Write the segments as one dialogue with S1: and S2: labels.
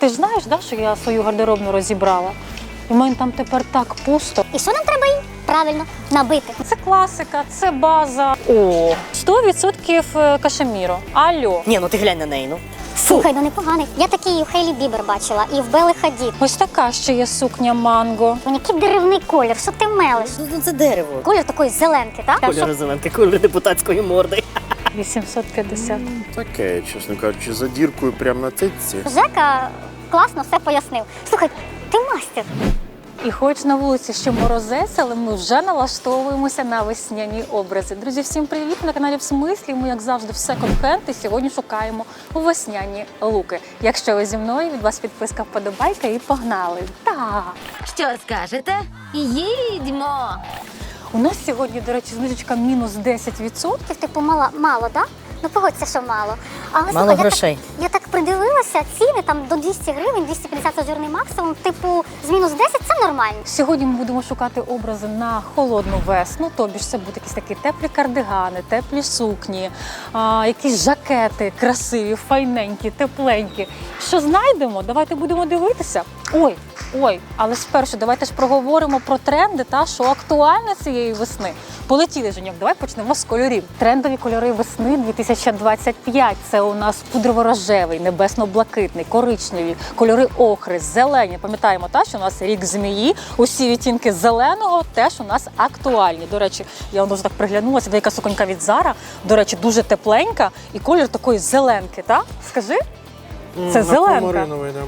S1: Ти ж знаєш, да, що я свою гардеробну розібрала? У мене там тепер так пусто.
S2: І що нам треба їй? Правильно, набити.
S1: Це класика, це база. О, 100% кашеміро. Алло.
S3: Ні, ну ти глянь на неї, ну.
S2: Слухай, ну непоганий. Я такий і в Хейлі Бібер бачила, і в Белли Хадід.
S1: Ось така ще є сукня манго.
S2: Мені який деревний колір, що ти мелиш?
S3: Ну це дерево.
S2: Колір такої зеленки, так?
S3: Кольор зеленки, кольор депутатської морди.
S1: 850.
S4: Таке, чесно кажучи, за діркою прямо на цитці.
S2: Жека класно все пояснив. Слухай, ти мастер.
S1: І хоч на вулиці ще морозець, але ми вже налаштовуємося на весняні образи. Друзі, всім привіт! На каналі «В смислі». Ми, як завжди, в секонд-хенд і сьогодні шукаємо весняні луки. Якщо ви зі мною, від вас підписка, вподобайка і погнали! Так!
S5: Що скажете? Їдьмо!
S1: У нас сьогодні, до речі, знижечка мінус 10%.
S2: Типу, мало, так? Ну погодься, що мало. Але
S3: Мало
S2: слухай,
S3: грошей.
S2: Я так придивилася, ціни там до 200 гривень, 250 це жирний максимум. Типу, з мінус 10 це нормально.
S1: Сьогодні ми будемо шукати образи на холодну весну, тобі ж це будуть якісь такі теплі кардигани, теплі сукні, якісь жакети красиві, файненькі, тепленькі. Що знайдемо? Давайте будемо дивитися. Ой, але спершу давайте ж проговоримо про тренди, та що актуально цієї весни. Полетіли, Женьок, давай почнемо з кольорів. Трендові кольори весни 2025. Це у нас пудрово-рожевий, небесно-блакитний, коричневі, кольори охри, зелені. Пам'ятаємо, та, що у нас рік змії, усі відтінки зеленого теж у нас актуальні. До речі, я вже так приглянулася, деяка суконька від Zara, до речі, дуже тепленька і колір такої зеленки, так? Скажи? Це зеленка.
S4: Аквамариновий, да.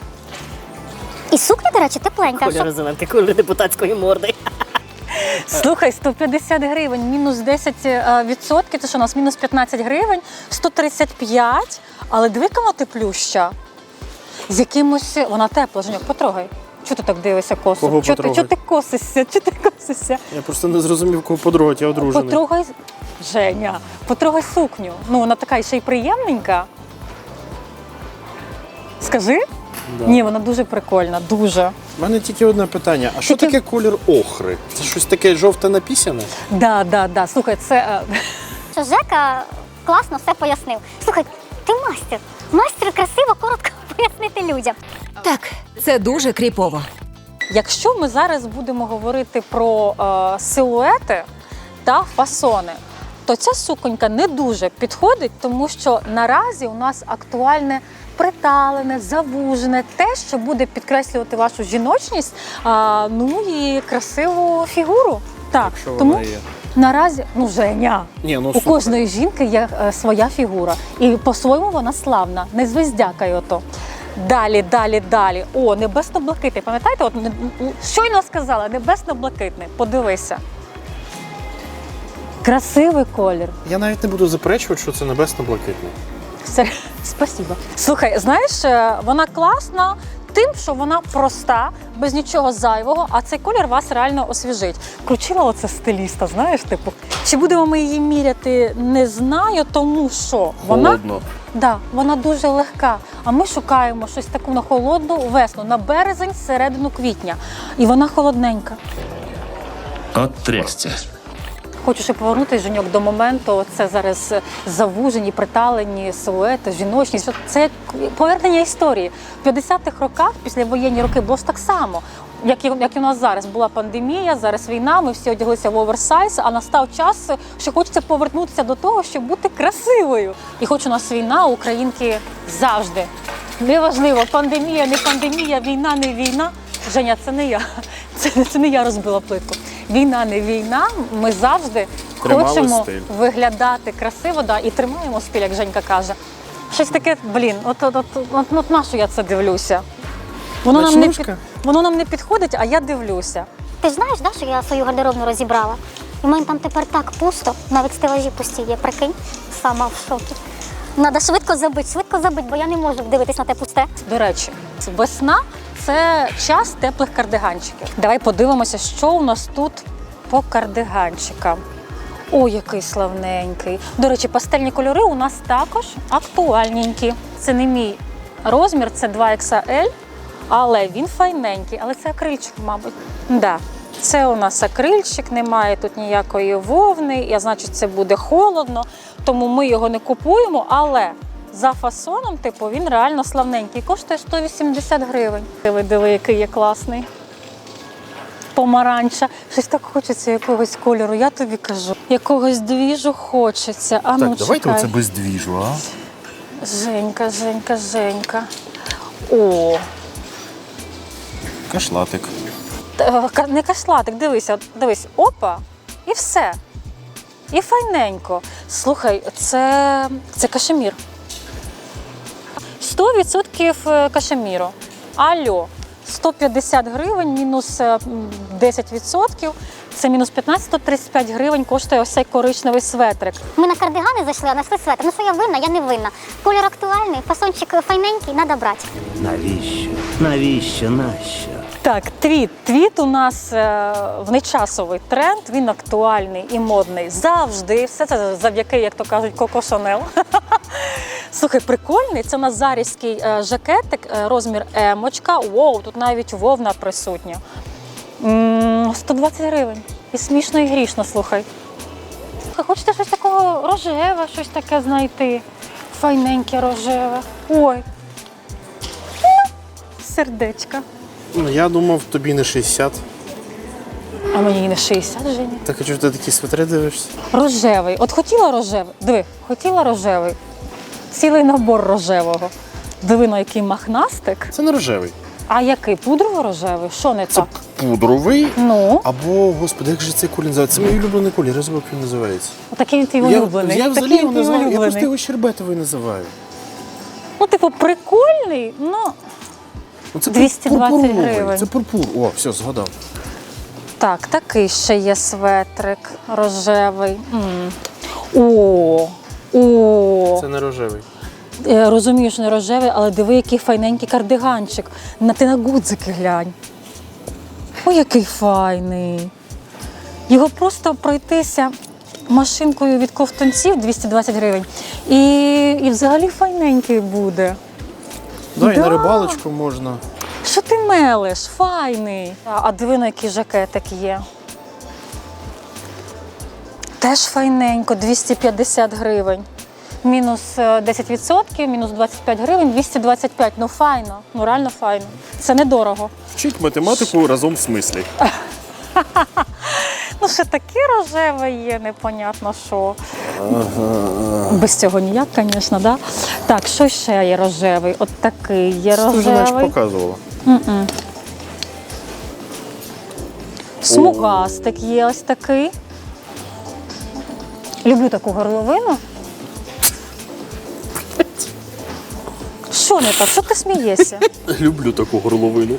S2: І сукня, до речі, тепленька.
S3: Кольор зеленки, кольор депутатської морди.
S1: Слухай, 150 гривень, мінус 10%, це що у нас мінус 15 гривень, 135, але диви, яка вона теплюща. З якимось, вона тепла, Женьок, потрогай. Чого ти так дивишся косо?
S4: Кого
S1: Чого
S4: потрогай?
S1: ти косишся? Чого ти косишся?
S4: Я просто не зрозумів, кого подрогати, я одружений.
S1: Потрогай, Женя, потрогай сукню. Ну, вона така ще й приємненька. Скажи?
S4: Да.
S1: Ні, вона дуже прикольна, дуже.
S4: У мене тільки одне питання. А що
S1: Тільки-
S4: таке колір охри? Це щось таке жовте напісяне?
S1: Да. Слухай, це...
S2: Що Жека класно все пояснив. Слухай, ти мастер. Мастер красиво, коротко пояснити людям.
S5: Так, це дуже кріпово.
S1: Якщо ми зараз будемо говорити про силуети та фасони, то ця суконька не дуже підходить, тому що наразі у нас актуальне приталене, завужене, те, що буде підкреслювати вашу жіночність, ну і красиву фігуру. Так,
S4: Якщо
S1: тому
S4: вона є.
S1: наразі, ну Женя,
S4: Ні, ну
S1: у
S4: супер.
S1: кожної жінки є своя фігура. І по-своєму вона славна, не звездякай ото. Далі. О, небесно-блакитний. Пам'ятаєте, от щойно сказала, небесно-блакитний. Подивися. Красивий колір.
S4: Я навіть не буду заперечувати, що це небесно-блакитне.
S1: Спасибо. Слухай, знаєш, вона класна тим, що вона проста, без нічого зайвого, а цей колір вас реально освіжить. Включила оце стиліста, знаєш, типу. Чи будемо ми її міряти, не знаю, тому що
S4: Холодно.
S1: вона дуже легка. А ми шукаємо щось таку на холодну весну, на березень, середину квітня. І вона холодненька.
S6: От трясця.
S1: Хочу ще повернутися, Женьок, до моменту, це зараз завужені, приталені силуети, жіночність. Це як повернення історії. В 50-х роках, післявоєнні роки, було ж так само. Як і у нас зараз була пандемія, зараз війна, ми всі одяглися в оверсайз, а настав час, що хочеться повернутися до того, щоб бути красивою. І хоч у нас війна, українки завжди. Неважливо, пандемія, не пандемія, війна, не війна. Женя, це не я. Це не я розбила плитку. Війна, не війна, ми завжди
S4: Тримали
S1: хочемо
S4: стиль.
S1: виглядати красиво, і тримаємо стиль, як Женька каже. Щось таке, от на що я це дивлюся?
S4: Ночнушка?
S1: Воно нам не підходить, а я дивлюся.
S2: Ти ж знаєш, да, що я свою гардеробну розібрала? І в мене там тепер так пусто, навіть стелажі пусті є, прикинь, сама в шокі. Треба швидко забити, бо я не можу дивитись на те пусте.
S1: До речі, весна – це час теплих кардиганчиків. Давай подивимося, що у нас тут по кардиганчикам. Ой, який славненький. До речі, пастельні кольори у нас також актуальненькі. Це не мій розмір, це 2XL, але він файненький. Але це акрильчик, мабуть. Да. Це у нас акрильчик, немає тут ніякої вовни, значить це буде холодно, тому ми його не купуємо, але за фасоном, типу, він реально славненький. Коштує 180 гривень. Диви, який є класний. Помаранча. Щось так хочеться якогось кольору, я тобі кажу. Якогось двіжу хочеться. А ну,
S4: Так, давайте
S1: чекай.
S4: оце без двіжу, а?
S1: Женька. О,
S4: Кашлатик.
S1: не кашлатик, дивись, опа, і все. І файненько. Слухай, це кашемір. 100% кашеміру. Алло, 150 гривень мінус 10%, це мінус 15-135 гривень коштує ось цей коричневий светрик.
S2: Ми на кардигани зайшли, а знайшли светр. Ну що я винна? Я не винна. Колір актуальний, фасончик файненький, треба брати.
S7: Навіщо? Нащо?
S1: Так, твіт у нас в нечасовий тренд, він актуальний і модний завжди. Все це завдяки, як то кажуть, Коко Шанел. Слухай, прикольний, це назарівський жакетик, розмір емочка. Воу, тут навіть вовна присутня. 120 гривень. І смішно, і грішно, слухай. Хочете щось такого рожеве, щось таке знайти? Файненьке рожеве. Ой. Сердечка.
S4: Ну, я думав, тобі не 60.
S1: А мені і не 60, Женя.
S4: Так, а чого ти такі свитри дивишся?
S1: Рожевий. От хотіла рожевий? Диви, хотіла рожевий. Цілий набор рожевого. Диви, на який махнастик.
S4: Це не рожевий.
S1: А який? Пудрово-рожевий? Що не
S4: Це
S1: так?
S4: пудровий.
S1: Ну,
S4: Або, господи, як же цей колір називається? Це мій улюблений колір, я забув, як він називається.
S1: такий він твій улюблений.
S4: Я взагалі
S1: Такий
S4: його
S1: він твій
S4: називаю, я просто
S1: улюблений.
S4: його щербетовий називаю.
S1: Ну, типу, прикольний, ну,
S4: Ну, це
S1: 220
S4: пурпуровий,
S1: гривень.
S4: Це пурпур. О, все, згадав.
S1: так, такий ще є светрик рожевий. О,
S4: Це не рожевий.
S1: Я розумію, що не рожевий, але диви, який файненький кардиганчик. Ти на гудзики глянь. Ой, який файний. Його просто пройтися машинкою від ковтунців 220 гривень. І взагалі файненький буде.
S4: Да, і
S1: Да.
S4: на рибалочку можна.
S1: Що ти мелиш? Файний. А диви, на який жакетик є. Теж файненько, 250 гривень. Мінус 10%, мінус 25 гривень, 225. Ну файно, ну реально файно. Це недорого.
S4: Вчить математику разом в смислі.
S1: Ну ще таке рожеве є, непонятно що. Без цього ніяк, звісно, да? Так, що ще є рожевий? От такий є
S4: Ти вже наче
S1: рожевий.
S4: показувала.
S1: Смугастик є ось такий. Люблю таку горловину. Що не так? Що ти смієшся?
S4: Люблю таку горловину.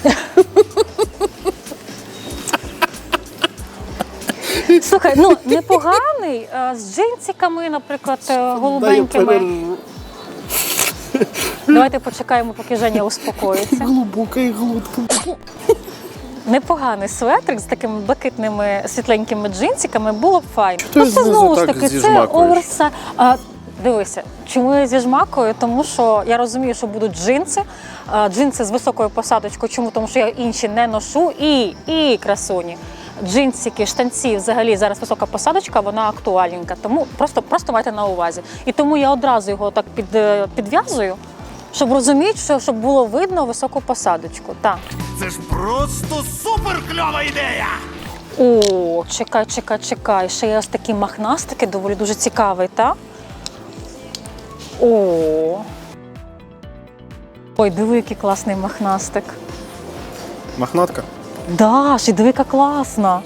S1: Слухай, ну непоганий, з джинсиками, наприклад, голубенькими. Давайте почекаємо, поки Женя успокоїться.
S4: Глибокий глутка.
S1: Непоганий светрик з такими блакитними світленькими джинсиками було б файно.
S4: Ти
S1: Ну це
S4: знизу
S1: знову ж
S4: так
S1: таки, це
S4: зіжмакуєш.
S1: оверса. Дивися, чому я зіжмакую? Тому що я розумію, що будуть джинси, джинси з високою посадочкою. Чому? Тому що я інші не ношу. І красуні. Джинсики, штанці, взагалі зараз висока посадочка, вона актуальненька. Тому просто майте на увазі. І тому я одразу його так підв'язую, щоб розуміти, щоб було видно високу посадочку. Так.
S7: Це ж просто супер кльова ідея!
S1: О, чекай. Ще є ось такі махнастики, доволі дуже цікавий, так? О. Ой, диви, який класний махнастик.
S4: Махнатка.
S1: Да, ще диви, яка класна.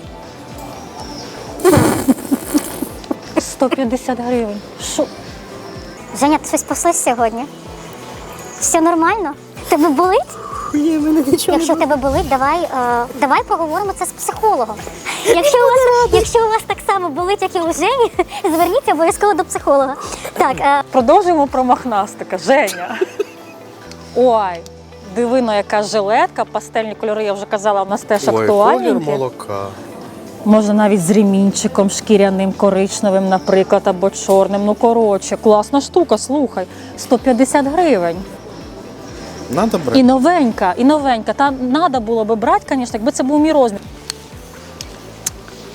S1: 150 гривень. Що?
S2: Женя, ти щось послиш сьогодні? Все нормально? Тебе болить?
S3: Ні, мене нічого.
S2: Якщо тебе болить, давай поговоримо це з психологом. Якщо у вас так само болить, як і у Жені, зверніться обов'язково до психолога. Так,
S1: Продовжуємо про махнастика. Женя. Ой, дивино, яка жилетка, пастельні кольори, я вже казала, у нас теж
S4: Ой, колір
S1: актуальненькі.
S4: молока.
S1: Можна навіть з ремінчиком шкіряним, коричневим, наприклад, або чорним. Ну, коротше, класна штука, слухай. 150 гривень.
S4: Надо брати.
S1: І новенька. Та треба було би брати, звісно, якби це був мій розмір.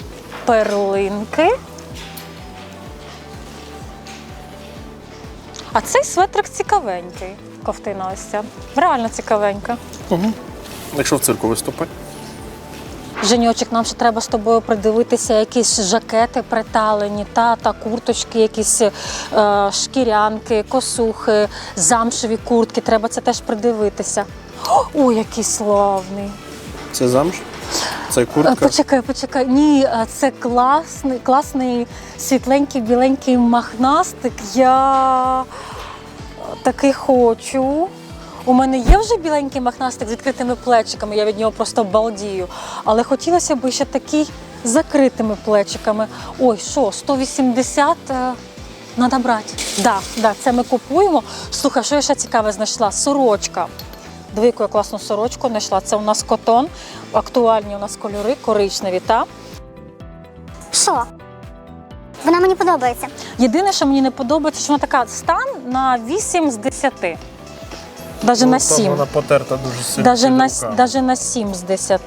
S1: Перлинки. А цей светрик цікавенький. Ковтина ось ця. Реально цікавенька.
S4: Якщо в цирку виступати.
S1: Женьочек, нам ще треба з тобою придивитися якісь жакети приталені, та курточки, якісь шкірянки, косухи, замшеві куртки. Треба це теж придивитися. Ой, який славний.
S4: Це замш? Це куртка?
S1: Почекай. Ні, це класний світленький, біленький махнастик. Я такий хочу. У мене є вже біленький махнастик з відкритими плечиками, я від нього просто балдію. Але хотілося б ще такий з закритими плечиками. Ой, що, 180 треба брати. Да, це ми купуємо. Слухай, що я ще цікаве знайшла? Сорочка. Диви, яку я класну сорочку знайшла. Це у нас котон, актуальні у нас кольори, коричневі, та?
S2: Що? Вона мені подобається.
S1: Єдине, що мені не подобається, що вона така стан на 8 з 10. Даже на 7.
S4: Вона потерта дуже сильно.
S1: Даже на 7 з 10.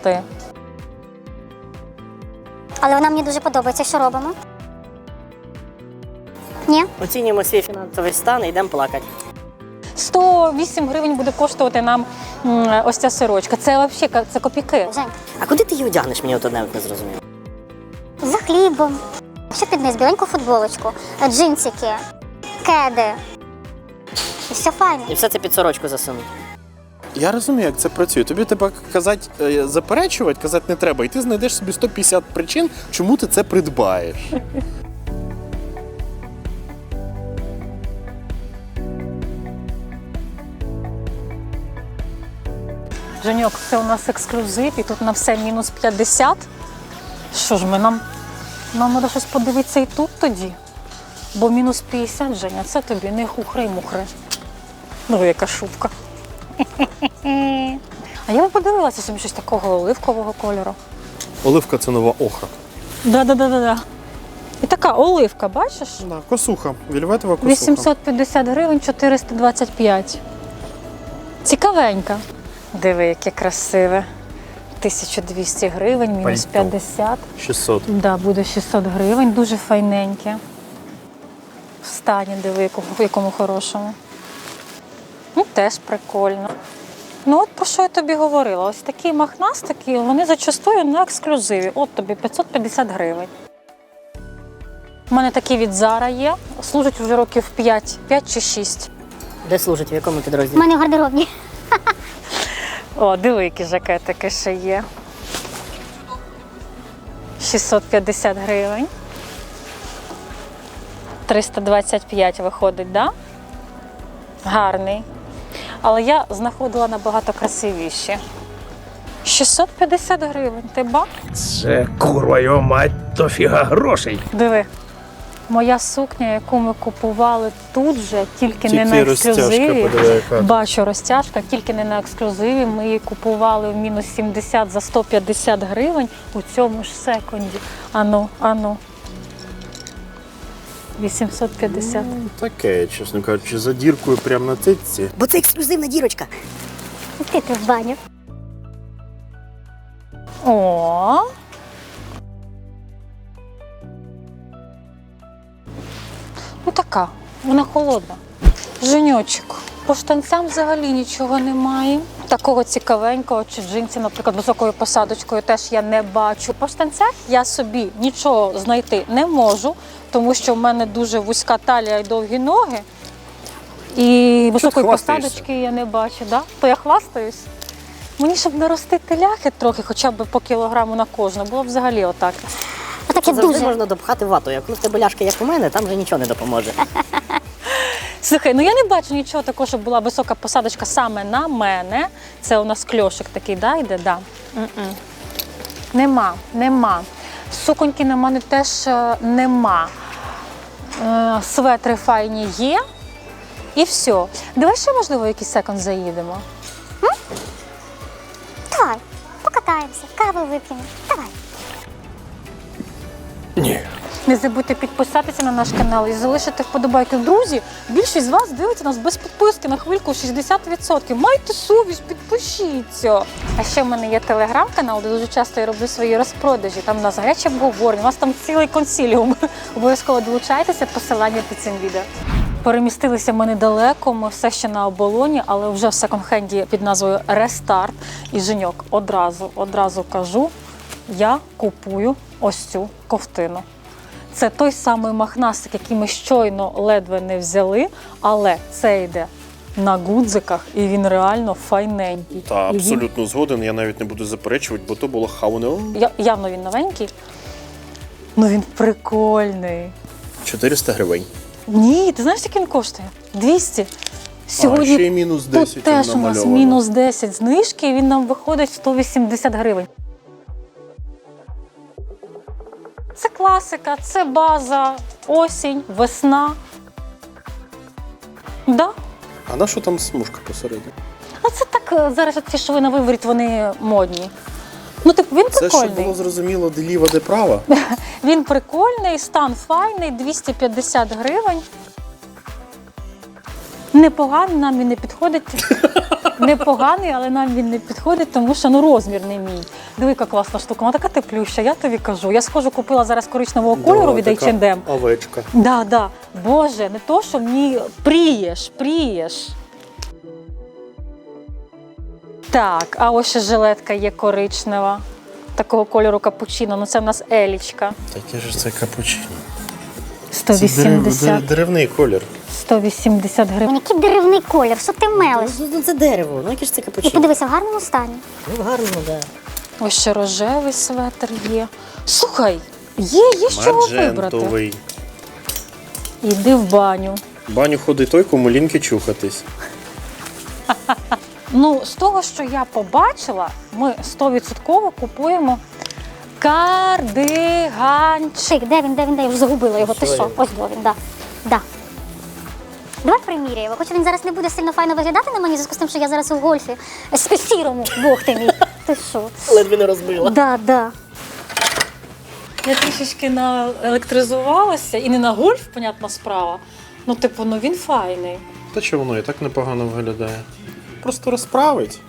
S2: Але вона мені дуже подобається. Що робимо? Ні?
S3: Оцінюємо свій фінансовий стан і йдемо плакати.
S1: 108 гривень буде коштувати нам ось ця сорочка. Це взагалі це копійки.
S2: Жень,
S3: А куди ти її одягнеш, мені от одне не зрозуміло.
S2: за хлібом. Ще під низ біленьку футболочку, джинсики, кеди. І все файно.
S3: І все це під сорочку засунуть.
S4: Я розумію, як це працює. Тобі треба заперечувати, казати не треба. І ти знайдеш собі 150 причин, чому ти це придбаєш.
S1: Женьок, це у нас ексклюзив, і тут на все мінус 50. Що ж нам треба щось подивитися і тут тоді. Бо мінус 50, Женя, це тобі не хухри-мухри. Ну, яка шубка. А я б подивилася собі щось такого оливкового кольору.
S4: Оливка – це нова охра.
S1: Да. І така оливка, бачиш?
S4: Да, косуха, вільветова косуха.
S1: 850 гривень, 425. Цікавенька. Диви, яке красиве. 1200 гривень, мінус
S4: Пальто.
S1: 50.
S4: 600.
S1: Да, буде 600 гривень, дуже файненьке. В стані, диви, в якому хорошому. Ну, теж прикольно. Ну, от про що я тобі говорила. Ось такі махнастики, вони зачастую на ексклюзиві. От тобі 550 гривень. У мене такі від Zara є. Служать вже років 5 чи 6.
S3: Де служить, в якому
S2: У
S3: підрозділі?
S2: мене в гардеробні.
S1: О, диви, які жакетики ще є. 650 гривень. 325 виходить, да? Гарний. Але я знаходила набагато красивіші. 650 гривень, ти ба?
S7: Це, курва його мать, то фіга грошей.
S1: Диви. Моя сукня, яку ми купували тут же, тільки не
S4: Тільки
S1: на
S4: розтяжка,
S1: ексклюзиві.
S4: подиви, яка.
S1: Бачу, розтяжка, тільки не на ексклюзиві. Ми її купували в мінус 70 за 150 гривень у цьому ж секунді. Ану. 850.
S4: Таке, чесно кажучи, за діркою прямо на цитці.
S3: Бо це ексклюзивна дірочка.
S2: Ти в баню.
S1: О. Ну така, вона холодна. Женьочок, по штанцям взагалі нічого немає. Такого цікавенького чи джинсів, наприклад, високою посадочкою теж я не бачу. По штанцях я собі нічого знайти не можу, тому що в мене дуже вузька талія і довгі ноги. І високої
S4: хвастаєшся?
S1: посадочки я не бачу, да? То я хвастаюсь. Мені, щоб наростити ляхи трохи, хоча б по кілограму на кожну, було б взагалі отак.
S2: Отаке
S3: Це завжди
S2: дуже.
S3: можна допхати вату. Як коли в тебе ляшки, як у мене, там вже нічого не допоможе.
S1: Слухай, ну я не бачу нічого такого, щоб була висока посадочка саме на мене. Це у нас кльошик такий, да, йде? Да. Нема. Суконьки на мене теж нема. Светри файні є. І все. Давай ще, можливо, якийсь секонд заїдемо.
S2: Давай, покатаємося, каву вип'ємо. Давай.
S4: Ні.
S1: Не забудьте підписатися на наш канал і залишити вподобайки. Друзі, більшість з вас дивиться нас без підписки на хвильку 60%. Майте совість, підпишіться. А ще в мене є телеграм-канал, де дуже часто я роблю свої розпродажі. Там у нас гаряче обговорення, у нас там цілий консиліум. Обов'язково долучайтеся, посилання під цим відео. Перемістилися ми недалеко, ми все ще на оболоні, але вже в секонд-хенді під назвою Рестарт. І, Женьок, одразу кажу, я купую ось цю ковтину. Це той самий махнастик, який ми щойно ледве не взяли, але це йде на гудзиках, і він реально файненький.
S4: Та,
S1: І він-
S4: абсолютно згоден, я навіть не буду заперечувати, бо то було хауне.
S1: Явно він новенький, але він прикольний.
S4: 400 гривень.
S1: Ні, ти знаєш, скільки він коштує? 200. Сьогодні
S4: ще й мінус 10
S1: тут теж у нас
S4: намальовано.
S1: мінус 10 знижки, і він нам виходить 180 гривень. Це класика, це база, осінь, весна. Да.
S4: А на що там смужка посередині?
S1: А це так, зараз ті, що ви на виворіт, вони модні. Ну, типу, він
S4: Це
S1: прикольний.
S4: щоб було зрозуміло, де ліва, де права.
S1: Він прикольний, стан файний, 250 гривень. Непоганий, нам він не підходить. Непоганий, але нам він не підходить, тому що розмір не мій. Диви, яка класна штука, вона така теплюща, я тобі кажу. Я схожу, купила зараз коричневого кольору від H&M.
S4: Овечка.
S1: Да. Боже, не то, що мені прієш. Так, а ось ще жилетка є коричнева. Такого кольору капучино, це в нас елічка.
S4: Таке ж це капучино.
S1: 180.
S4: Деревний колір.
S1: 180 гривень.
S2: Який деревний колір, що ти мелиш?
S3: Ну, це дерево, ну яке ж це
S2: І
S3: капучино?
S2: подивися, в гарному стані.
S3: Ну, гарно, да.
S1: Ось ще рожевий светр є. Слухай, є з чого вибрати.
S4: Маджентовий.
S1: Іди в баню.
S4: В баню ходить той, кому ліньки чухатись.
S1: Ну, з того, що я побачила, ми 100% купуємо кардиганчик.
S2: Шик, де він? Я вже загубила його. Ти що? Ось до він, да. Давай приміряємо. Хоч він зараз не буде сильно файно виглядати на мені, в зв'язку з тим, що я зараз у гольфі сірому, бог ти мій. Ти що?
S3: Ледве не розбила.
S2: Да.
S1: Я трішечки наелектризувалася, і не на гольф, понятна справа. Ну, він файний.
S4: Та що воно і так непогано виглядає. Просто розправить.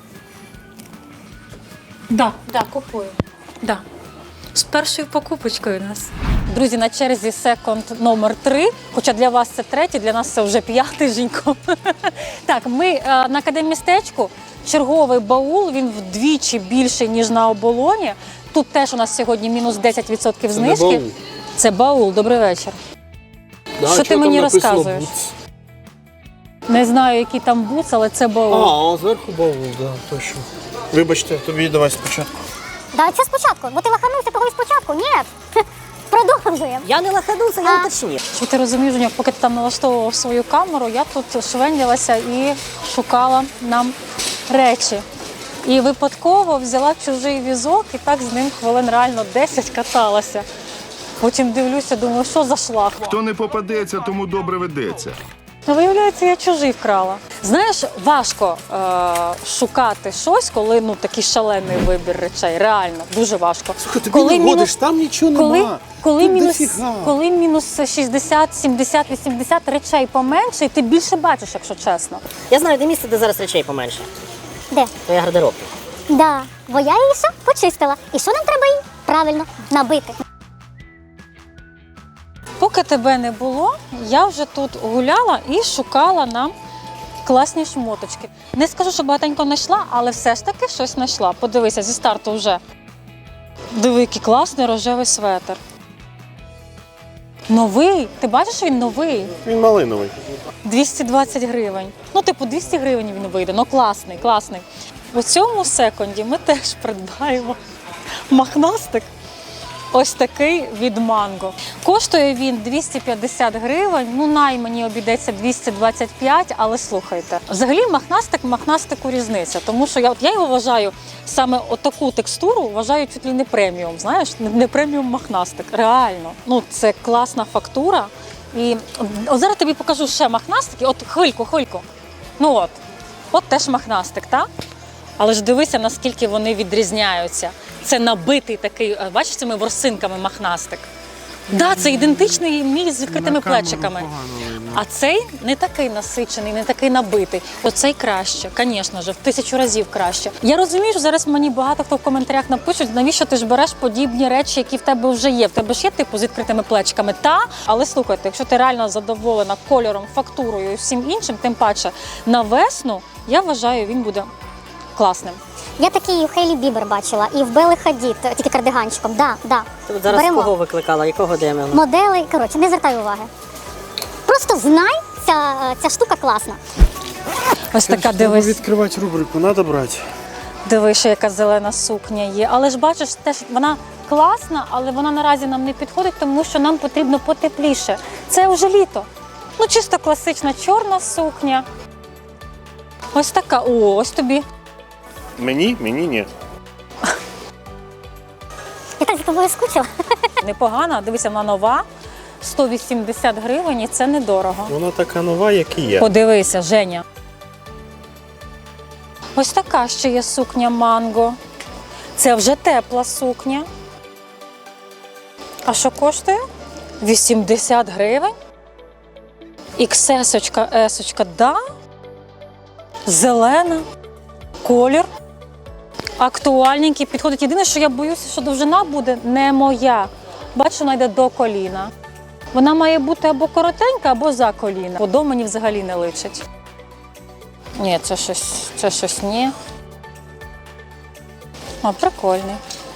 S1: Да, купую. Да. З першою покупочкою у нас. Друзі, на черзі секонд номер 3, хоча для вас це третій, для нас це вже 5-й, Женько. Так, ми на Академмістечку, черговий баул, він вдвічі більший, ніж на оболоні. Тут теж у нас сьогодні мінус 10% знижки.
S4: баул.
S1: Це баул, добрий вечір. Що ти мені розказуєш? Не знаю, який там буц, але це баул.
S4: А зверху баул, да, точно. Вибачте, тобі давай спочатку.
S2: Да, це спочатку, бо ти лаханувся того і спочатку. Ні, продовжуємо.
S3: Я не лаханувся, я уточнив.
S1: Що ти розумієш, Женьок, поки ти там налаштовував свою камеру, я тут швенділася і шукала нам речі. І випадково взяла чужий візок і так з ним хвилин реально 10 каталася. Потім дивлюся, думаю, що за шлах.
S8: Хто не попадеться, тому добре ведеться.
S1: Ну, виявляється, я чужий вкрала. Знаєш, важко шукати щось, коли такий шалений вибір речей. Реально, дуже важко.
S4: Слухай, тобі не годиш, там нічого нема.
S1: Коли мінус 60, 70, 80 речей поменше, і ти більше бачиш, якщо чесно.
S3: Я знаю, де місце, де зараз речей поменше.
S2: Де?
S3: Твоя гардеробка.
S2: Да, бо я її все почистила. І що нам треба її? Правильно, набити.
S1: Поки тебе не було, я вже тут гуляла і шукала нам класні шмоточки. Не скажу, що багатенько знайшла, але все ж таки щось знайшла. Подивися, зі старту вже. Диви, який класний рожевий светр. Новий. Ти бачиш, що він новий?
S4: Він малиновий.
S1: 220 гривень. 200 гривень він вийде. Класний. У цьому секунді ми теж придбаємо махнастик. Ось такий від Манго. Коштує він 250 гривень, най мені обійдеться 225, але слухайте. Взагалі махнастику різниця, тому що я його вважаю, саме отаку текстуру вважаю чуть ли не преміум, знаєш, не преміум махнастик, реально. Це класна фактура. І от зараз тобі покажу ще махнастики, хвильку. От теж махнастик, так? Але ж дивися, наскільки вони відрізняються. Це набитий такий, бачиш, цими ворсинками махнастик. Да, це ідентичний мій з відкритими плечиками. А цей не такий насичений, не такий набитий. Оцей краще, звісно ж, в 1000 разів краще. Я розумію, що зараз мені багато хто в коментарях напишуть, навіщо ти ж береш подібні речі, які в тебе вже є. В тебе ж є типу з відкритими плечиками. Та, але слухайте, якщо ти реально задоволена кольором, фактурою і всім іншим, тим паче на весну, я вважаю, він буде класним.
S2: Я такий у Хейлі Бібер бачила і в Белли Хадід, тільки кардиганчиком. Да.
S3: Ти от зараз
S2: Беремо.
S3: кого викликала, якого демона?
S2: Модели, коротше, не звертай уваги. Просто знай, ця штука класна.
S1: Ось така, дивись.
S4: відкривати рубрику, треба брати.
S1: Дивись, яка зелена сукня є. Але ж бачиш, теж вона класна, але вона наразі нам не підходить, тому що нам потрібно потепліше. Це вже літо. Ну, чисто класична чорна сукня. Ось така. О, ось тобі.
S4: Мені ні.
S2: Я так за тобою скучила.
S1: Непогана. Дивися, вона нова. 180 гривень і це недорого.
S4: Вона така нова, як і є.
S1: Подивися, Женя. Ось така ще є сукня манго. Це вже тепла сукня. А що коштує? 80 гривень. XS-очка, S-очка, да. Зелена. Колір. Актуальненький. Підходить. Єдине, що я боюся, що довжина буде не моя. Бачу, вона йде до коліна. Вона має бути або коротенька, або за коліна. Подо мені взагалі не личить. Ні, це щось ні. О, прикольний.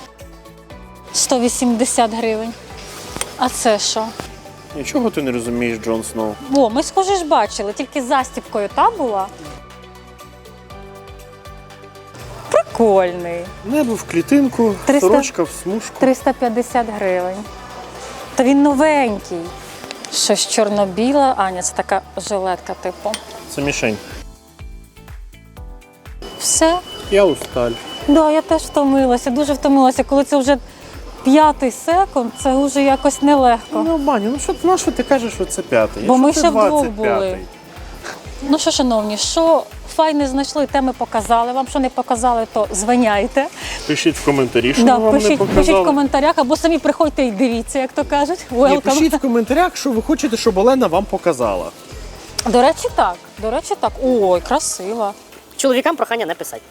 S1: 180 гривень. А це що?
S4: Нічого ти не розумієш, Джон Сноу.
S1: О, ми схоже ж бачили, тільки з застібкою та була. Прикольний.
S4: Небо в клітинку,
S1: 300.
S4: сорочка в смужку.
S1: 350 гривень. Та він новенький. Щось чорно-біле. А, ні, це така жилетка, типу.
S4: Це мішень.
S1: Все.
S4: Я усталь.
S1: Да, я теж втомилася, дуже втомилася. Коли це вже 5-й секунд, це вже якось нелегко.
S4: Ну, Баню, на що ти кажеш, що це 5-й?
S1: Бо ми
S4: Якщо
S1: ще
S4: це
S1: вдвох
S4: 25-й.
S1: були. Ну що, шановні, що файне знайшли, те ми показали. Вам що не показали, то звиняйте.
S4: Пишіть в коментарі, що
S1: Да,
S4: ми вам не
S1: пишіть
S4: показали.
S1: в коментарях, або самі приходьте і дивіться, як то кажуть.
S4: Ні,
S1: Welcome.
S4: пишіть в коментарях, що ви хочете, щоб Олена вам показала.
S1: До речі, так. До речі, так. Ой, красива.
S3: Чоловікам прохання не писати.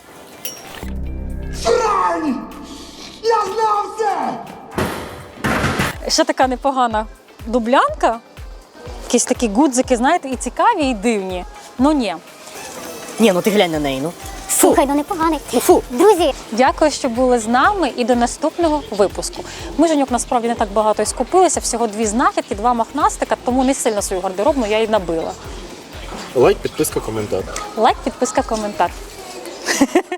S1: Ще така непогана дублянка. Якісь такі гудзики, знаєте, і цікаві, і дивні. Ну ні.
S3: Ні, ну ти глянь на неї, ну.
S2: Слухай, ну непоганий.
S3: Фу.
S2: Друзі,
S1: Дякую, що були з нами, і до наступного випуску. Ми, Женюк, насправді не так багато і скупилися, всього 2 знахідки, 2 махнастика, тому не сильно свою гардеробну я і набила.
S4: Лайк, підписка, коментар.
S1: Лайк, підписка, коментар.